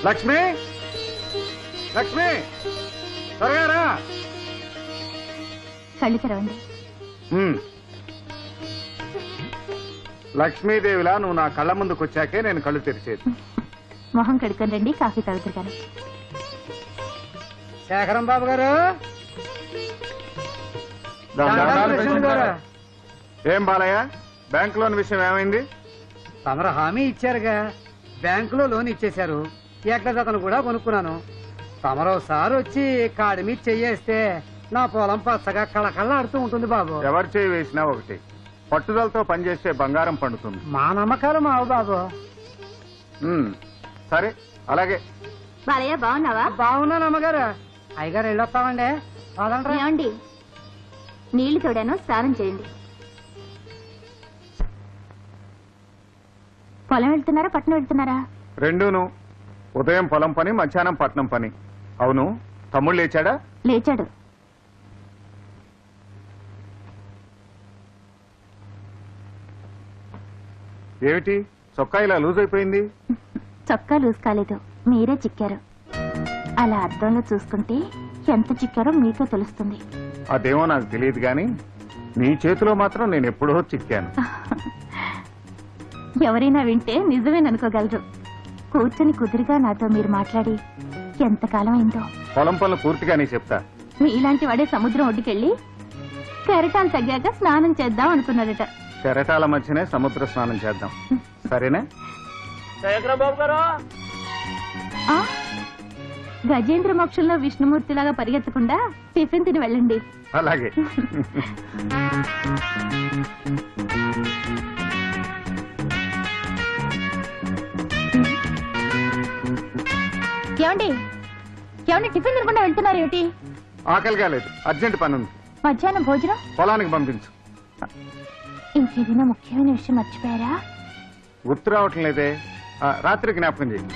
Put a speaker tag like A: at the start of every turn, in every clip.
A: లక్ష్మి, లక్ష్మి, త్వరగా రా.
B: కళ్ళు తెరవండి.
A: లక్ష్మీదేవిలా నువ్వు నా కళ్ళ ముందుకు వచ్చాకే నేను కళ్ళు తెరిచేది.
B: మొహం కడుక్కొని రండి, కాఫీ తాగుతారు కానీ.
C: శేఖరం బాబు గారు,
A: ఏం బాలయ్య, బ్యాంక్ లోన్ విషయం ఏమైంది?
C: తమరు హామీ ఇచ్చారుగా, బ్యాంకులో లోన్ ఇచ్చేశారు. ఏకజతను కూడా కొనుక్కున్నాను. తమరోసారి వచ్చి కాడి మీద చెయ్యేస్తే నా పొలం పచ్చగా కళకళలాడుతూ ఉంటుంది బాబు.
A: ఎవరు చేయి వేసినా ఒకటి, పట్టుదలతో పనిచేస్తే బంగారం పండుతుంది.
C: మా నమ్మకాలు మావు బాబు.
A: సరే అలాగే.
B: బాలయ్య బాగున్నావా?
C: బాగున్నాను అమ్మగారు. అయ్యగారు వెళ్ళొస్తామండి.
B: ఏమండి, నీళ్లు తోడాను, స్నానం చేయండి. పొలం వెళ్తున్నారా పట్నం వెళ్తున్నారా?
A: రెండూను. ఉదయం పొలం పని, మధ్యాహ్నం పట్నం పని. అవును, తమ్ముడు లేచాడా?
B: లేచాడు.
A: ఏమిటి చొక్కా ఇలా లూజ్ అయిపోయింది?
B: చొక్కా లూజ్ కాలేదు, మీరే చిక్కారు. అలా అద్దంలో చూసుకుంటే ఎంత చిక్కారో మీకే తెలుస్తుంది.
A: అదేమో నాకు తెలియదు గాని నీ చేతిలో మాత్రం నేను ఎప్పుడో చిక్కాను.
B: ఎవరైనా వింటే నిజమేననుకోగలరు. కూర్చొని కుదురుగా నాతో మీరు మాట్లాడి ఎంతకాలం అయిందో.
A: పొలం పనులు పూర్తిగానే చెప్తా.
B: మీలాంటి వాడే సముద్రం ఒడ్డుకెళ్ళి కెరటాలు తగ్గాక స్నానం చేద్దాం అనుకున్నాడట.
A: కెరటాల మధ్యనే సముద్ర స్నానం చేద్దాం, సరేనా?
B: గజేంద్ర మోక్షంలో విష్ణుమూర్తిలాగా పరిగెత్తకుండా టిఫిన్ తిని వెళ్ళండి.
A: అలాగే.
B: ఏమండి, ఏమండి, టిఫిన్ తినకుండా వెళ్తున్నారు ఏమిటి?
A: ఆకలిగా లేదు, అర్జెంట్ పని ఉంది.
B: మధ్యాహ్నం భోజనం
A: పొలానికి పంపించు.
B: ఇంకేదైనా ముఖ్యమైన విషయం మర్చిపోయారా?
A: గుర్తు రావటం లేదే. రాత్రి జ్ఞాపకం చేయి.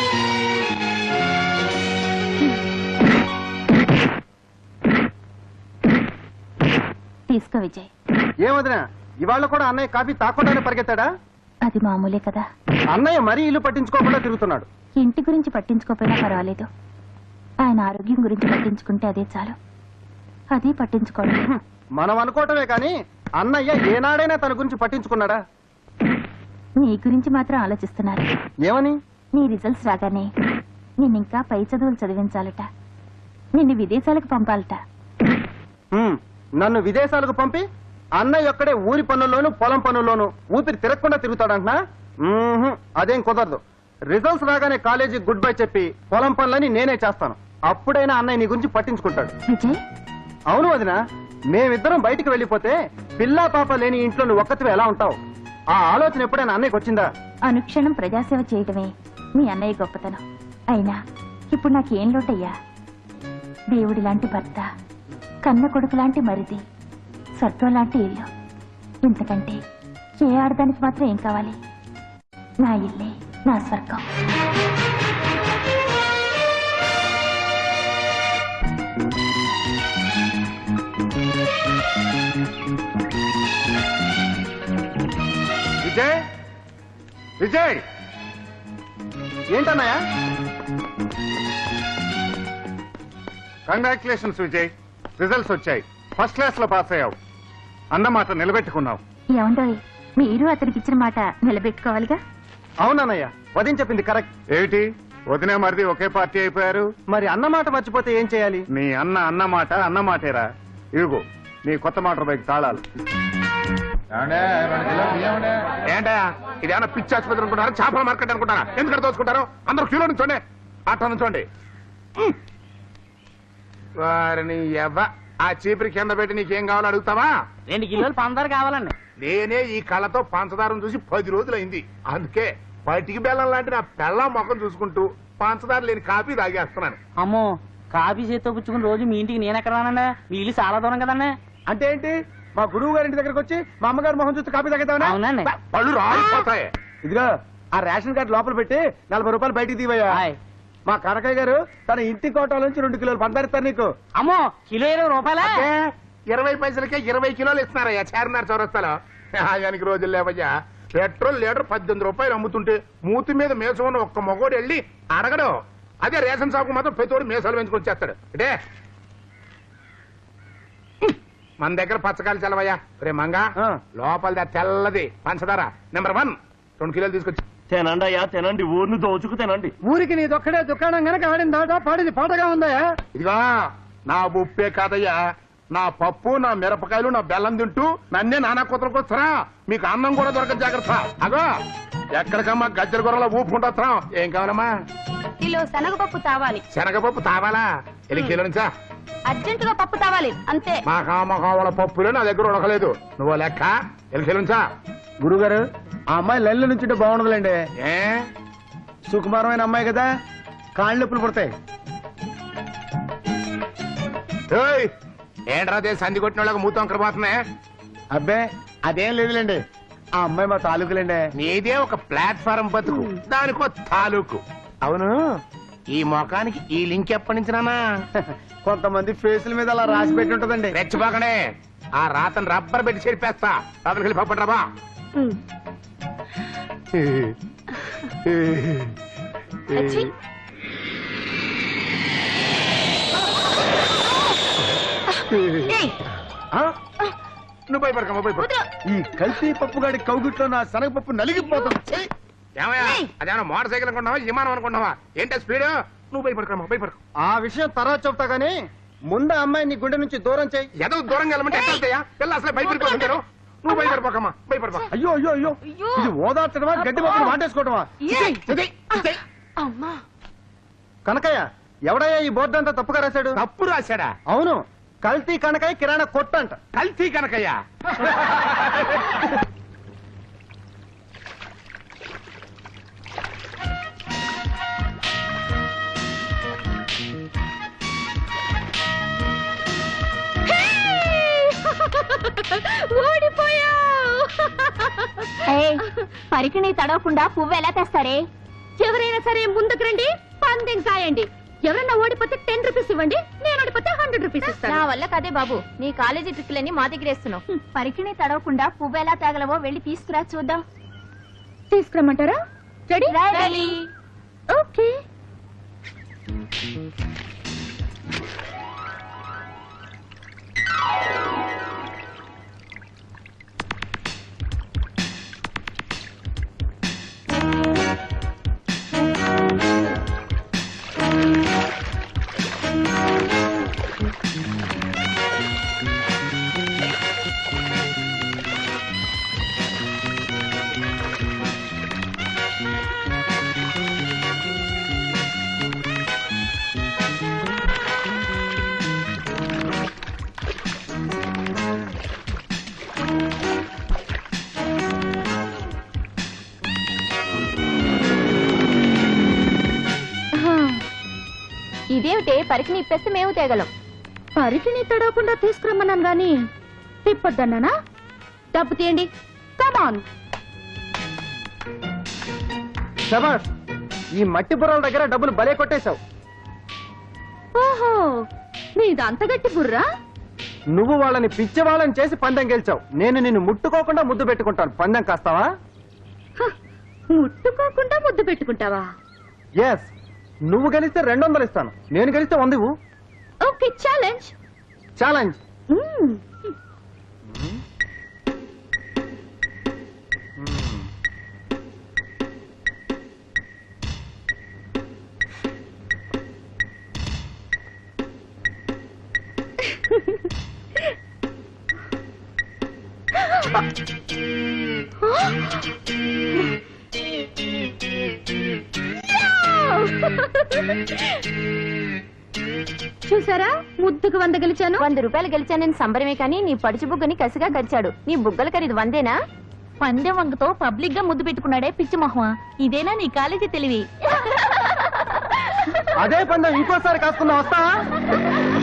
B: తీసుకో విజయ్.
C: ఏమదినా, ఇవాళ కూడా అన్నయ్య కాఫీ తాకుండానే పరిగెత్తాడా?
B: అది మామూలే కదా.
C: అన్నయ్య మరీ ఇల్లు పట్టించుకోకుండా తిరుగుతున్నాడు.
B: ఇంటి గురించి పట్టించుకోకపోయినా పర్వాలేదు, ఆయన ఆరోగ్యం గురించి పట్టించుకుంటే అదే చాలు. అది పట్టించుకోండి.
C: మనం అనుకోవటమే కానీ అన్నయ్య ఏనాడైనా తన గురించి పట్టించుకున్నాడా?
B: నీ గురించి మాత్రం ఆలోచిస్తున్నారు.
C: ఏమని?
B: నీ రిజల్ట్స్ రాగానే నిన్నింకా పై చదువులు చదివించాలట, నిన్ను విదేశాలకు పంపాలట.
C: నన్ను విదేశాలకు పంపి అన్నయ్య ఒక్కడే ఊరి పనుల్లోనూ పొలం పనుల్లోనూ ఊపిరి తిరగకుండా తిరుగుతాడంటున్నా? అదేం కుదరదు. రిజల్ట్స్ రాగానే కాలేజీ గుడ్ బై చెప్పి పొలం పనులని నేనే చేస్తాను. అప్పుడైనా అన్నయ్య నీ గురించి పట్టించుకుంటాడు.
B: విజయ్,
C: అవును వదినా, మేమిద్దరం బయటికి వెళ్ళిపోతే పిల్లా పాప లేని ఇంట్లో నువ్వు ఒక్కతివి ఎలా ఉంటావు? ఆ ఆలోచన ఎప్పుడైనా అన్నయ్యకి వచ్చిందా?
B: అనుక్షణం ప్రజాసేవ చేయటమే మీ అన్నయ్య గొప్పతనం. అయినా ఇప్పుడు నాకేం లోటయ్యా? దేవుడి లాంటి భర్త, కన్న కొడుకు లాంటి మరిది, స్వర్గం లాంటి ఇల్లు. ఇంతకంటే ఏ ఆడదానికి మాత్రం ఏం కావాలి? నా ఇల్లే నా స్వర్గం.
A: విజయ్, విజయ్,
C: ఏంటన్నయ్య?
A: కంగ్రాచులేషన్స్ విజయ్, రిజల్ట్స్ వచ్చాయి. ఫస్ట్ క్లాస్ లో పాస్ అయ్యావు. అన్నమాట నిలబెట్టుకున్నావు.
B: ఏమండోయ్, మీరు అతనికి ఇచ్చిన మాట నిలబెట్టుకోవాలిగా.
C: అవునన్నయ్య, వదిన చెప్పింది కరెక్ట్.
A: ఏమిటి వదినే మరిది ఒకే పార్టీ అయిపోయారు?
C: మరి అన్నమాట మర్చిపోతే ఏం చేయాలి?
A: నీ అన్నమాట అన్నమాటేరా. ఇదిగో నీ కొత్త మోటార్ బైక్ తాళాలు.
D: ఏంటా ఇదేమన్నా పిచ్చి ఆసుపత్రి అనుకుంటారా, చేపల మార్కెట్ అనుకుంటారా? ఎందుకంటే దోచుకుంటారు? అందరూ క్యూలో నుంచోండి, అట్లా నుంచోండి. వారిని ఆ చీపురి కింద పెట్టి నీకేం కావాలో అడుగుతావా?
C: 2 కిలోలు పంచదార కావాలండి.
D: నేనే ఈ కళ్ళతో పంచదారం చూసి 10 రోజులైంది. అందుకే పటికి బెల్లం లాంటి నా పెళ్ళం మొఖం చూసుకుంటూ పంచదార లేని కాఫీ తాగేస్తున్నాను.
E: అమ్మో, కాఫీ చేత్తో పుచ్చుకుని రోజు మీ ఇంటికి నేను ఎక్కడ రానండి? మీ ఇల్లు చాలా దూరం కదండి.
C: అంటే ఏంటి? మా గురువు గారి ఇంటి దగ్గరకు వచ్చి మా అమ్మగారు మొహం చూస్తే కాపీ తాగేద్దామని?
E: అవునండి.
D: పళ్ళు రాలిపోతాయి.
C: ఇదిగో ఆ రేషన్ కార్డు లోపల పెట్టి 40 రూపాయలు బయటికి తీవయ్యా. మా కనకయ్య గారు తన ఇంటి కోట నుంచి 2 కిలోలు పంచదారిస్తారు నీకు.
E: అమ్మో, కిలో 20 రూపాయలా?
D: 20 పైసలకే 20 కిలోలు ఇస్తున్నారయ్యా చార్మినార్ చౌరస్తాలో. ఆయనకి రోజులు లేవయ్యా. పెట్రోల్ లీటర్ 18 రూపాయలు అమ్ముతుంటే మూతి మీద మేసం ఉన్న ఒక్క మగోడు వెళ్ళి అడగడు. అదే రేషన్ షాపు మాత్రం ప్రతివాడు మేసాలు పెంచుకొని వచ్చేస్తాడు. అంటే మన దగ్గర పచ్చకాయలు చల్లవయ్యా. రే మంగా లోపలిది తెల్లది పంచదార నెంబర్ 1 2 కిలోలు తీసుకొచ్చి
F: తినండి అయ్యా తినండి, ఊరిని దోచుకు తినండి.
C: ఊరికి నీదొక్కడే దుకాణం గనక ఆడిన దాట పాడింది పాటగా ఉందయా.
D: ఇదిగా నా ఉప్పే కాదయ్యా, నా పప్పు, నా మిరపకాయలు, నా బెల్లం తింటూ నన్నే నానా కూతురికి వస్తారా? మీకు అన్నం కూడా దొరకదు, జాగ్రత్త. అగో ఎక్కడికమ్మా గజ్జల గొర్రెల ఊపుకుంటా. ఏం కావాలమ్మా?
B: కిలో శనగపప్పు తావాలి.
D: శనగపప్పు తావాలా? ఎల్లి కిలో నుంచా?
B: అర్జెంటుగా పప్పు తావాలి అంతే.
D: మా కామకావల పప్పులే నా దగ్గర ఉడకలేదు. నువ్వు లెక్క ఎల్లి కిలో నుంచా?
C: గురుగారు ఆ అమ్మాయి లైన్లో నుంచుంటే బాగుండదులేండి.
D: ఏ
C: సుకుమారమైన అమ్మాయి కదా, కాళ్ళు నొప్పులు పుడతాయి.
D: ఏయ్, ఏంట్రా అదే సంధి కొట్టిన వాళ్ళకి మూతం పోతున్నాయి.
C: అబ్బే అదేం లేదులేండి, ఆ అమ్మాయి మా తాలూకులేండి.
D: నీదే ఒక ప్లాట్ఫారం బతుకు, దానికో తాలూకు. అవును, ఈ మొఖానికి ఈ లింక్ ఎప్పటి నుంచి నానా?
C: కొంతమంది ఫేసుల మీద అలా రాసి పెట్టి ఉంటదండి.
D: రెచ్చిపోకనే, ఆ రాతను రబ్బర్ పెట్టి చెరిపేస్తా. లోపలికి వెళ్ళి పప్పండి రాబా.
B: అచ్చి. ఏయ్,
D: నువ్వు భయపడకమ్మా, భయపడ.
B: వదరు.
C: ఈ కల్తీ పప్పుగాడి కౌగిట్లో నా శనగపప్పు నలిగిపోతుంది.
D: ఏమయ్యా, అదేమన్నా మోటార్ సైకిల్ అనుకున్నావా, విమానం అనుకున్నావా? ఏంటో స్పీడ్? నువ్వు భయపడకమ్మా, భయపడకు.
C: ఆ విషయం తర్వాత చెప్తా గానీ ముందు అమ్మాయి నీ గుండె నుంచి దూరం చేయి.
D: ఏదో దూరంగా వెళ్ళమంటే ఎట్లా వెళ్తాయా? పిల్ల అసలే భయపడిపోతుంటారు. నువ్వు భయపడిపోకమ్మా, భయపడిపో.
C: అయ్యో అయ్యో అయ్యో,
B: అయ్యో.
C: ఇది ఓదార్చడమా గడ్డి పప్పులు వాటేసుకోవడమా?
B: ఏయ్.
D: ఇదే, ఇదే.
B: అమ్మా.
C: కనకయ్య ఎవడయ్యా ఈ బోర్డు అంతా తప్పుగా రాశాడు?
D: తప్పు రాశాడా?
C: అవును, కల్తీ కనకయ్య కిరాణా కొట్టు అంట.
D: కల్తీ కనకయ్యా?
B: పరికిణి తడవకుండా పువ్వు ఎలా తెస్తారే? ఎవరైనా సరే ముందుకు రండి, పందెం సాయండి. ఎవరైనా ఓడిపోతే 10 రూపీస్ ఇవ్వండి, నేను ఓడిపోతే 100 రూపీస్ ఇస్తాను. నా వల్ల కదే బాబు, నీ కాలేజీ ట్రిక్లన్నీ మా దగ్గర వేస్తున్నావు. పరికిణి తడవకుండా పువ్వు ఎలా తేగలవో వెళ్ళి తీసుకురా చూద్దాం. తీసుకురమ్మంటారా? రెడీ? ఓకే. ఇదేమిటే, పరికిణి ఇప్పేస్తే మేము తేగలం. పరికిణి తడవకుండా తీసుకురమ్మన్నాను గాని తిప్పొద్దన్నానా? డబ్బు తీయండి, కమాన్.
C: శబాష్, ఈ మట్టి బుర్రల దగ్గర డబ్బులు భలే కొట్టేశావు.
B: ఓహో, నీదంత గట్టి బుర్రా.
C: నువ్వు వాళ్ళని పిచ్చి వాళ్ళని చేసి పందెం గెలిచావు. నేను నిన్ను ముట్టుకోకుండా ముద్దు పెట్టుకుంటాను. పందెం కాస్తావా?
B: ముట్టుకోకుండా ముద్దు పెట్టుకుంటావా?
C: ఎస్, నువ్వు గెలిస్తే 200 ఇస్తాను, నేను గెలిస్తే 100 ఇవ్వు.
B: Okay, challenge.
C: ఛాలెంజ్.
B: చూసారా, ముద్దుకు 100 గెలిచాను. 100 రూపాయలు గెలిచానని సంబరమే కానీ నీ పడుచు బుగ్గని కసిగా గరిచాడు. నీ బుగ్గల ఖరీదు 100ఏనా? పందెం వంగతో పబ్లిక్ గా ముద్దు పెట్టుకున్నాడే పిచ్చి మొహమా. ఇదేనా నీ కాలేజీ తెలివి?
C: అదే పందెం ఇంకోసారి కాసుకున్నా వస్తావా?